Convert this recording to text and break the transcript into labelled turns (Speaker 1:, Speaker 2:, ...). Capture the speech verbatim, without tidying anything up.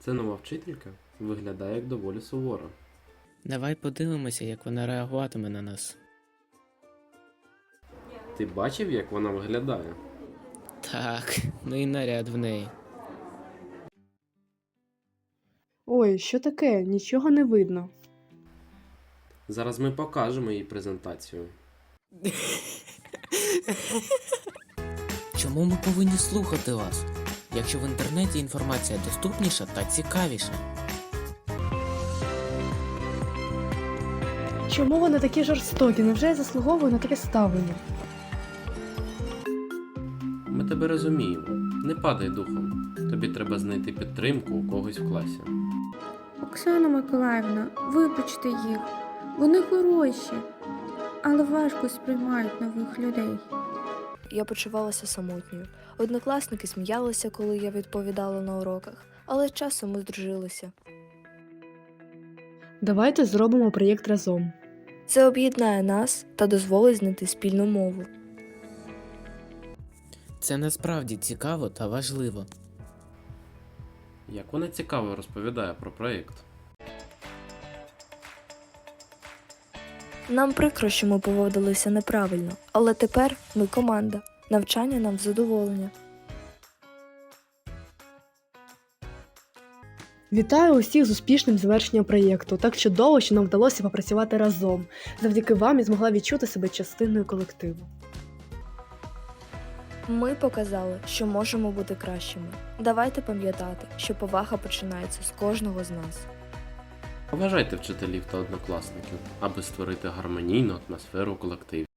Speaker 1: Це нова вчителька виглядає як доволі суворо.
Speaker 2: Давай подивимося, як вона реагуватиме на нас.
Speaker 1: Ти бачив, як вона виглядає?
Speaker 2: Так, ну і наряд в неї.
Speaker 3: Ой, що таке? Нічого не видно.
Speaker 1: Зараз ми покажемо їй презентацію.
Speaker 2: Чому ми повинні слухати вас, якщо в інтернеті інформація доступніша та цікавіша?
Speaker 3: Чому вони такі жорстокі? Невже я заслуговую на таке ставлення?
Speaker 1: Ми тебе розуміємо. Не падай духом. Тобі треба знайти підтримку у когось в класі.
Speaker 4: Оксана Миколаївна, вибачте їх. Вони хороші, але важко сприймають нових людей.
Speaker 5: Я почувалася самотньою. Однокласники сміялися, коли я відповідала на уроках, але з часом ми здружилися.
Speaker 3: Давайте зробимо проєкт разом.
Speaker 5: Це об'єднає нас та дозволить знайти спільну мову.
Speaker 2: Це насправді цікаво та важливо.
Speaker 1: Як вона цікаво розповідає про проєкт.
Speaker 5: Нам прикро, що ми поводилися неправильно, але тепер ми команда. Навчання нам в задоволення.
Speaker 3: Вітаю усіх з успішним завершенням проєкту. Так чудово, що нам вдалося попрацювати разом. Завдяки вам я змогла відчути себе частиною колективу.
Speaker 5: Ми показали, що можемо бути кращими. Давайте пам'ятати, що повага починається з кожного з нас.
Speaker 1: Поважайте вчителів та однокласників, аби створити гармонійну атмосферу у колективі.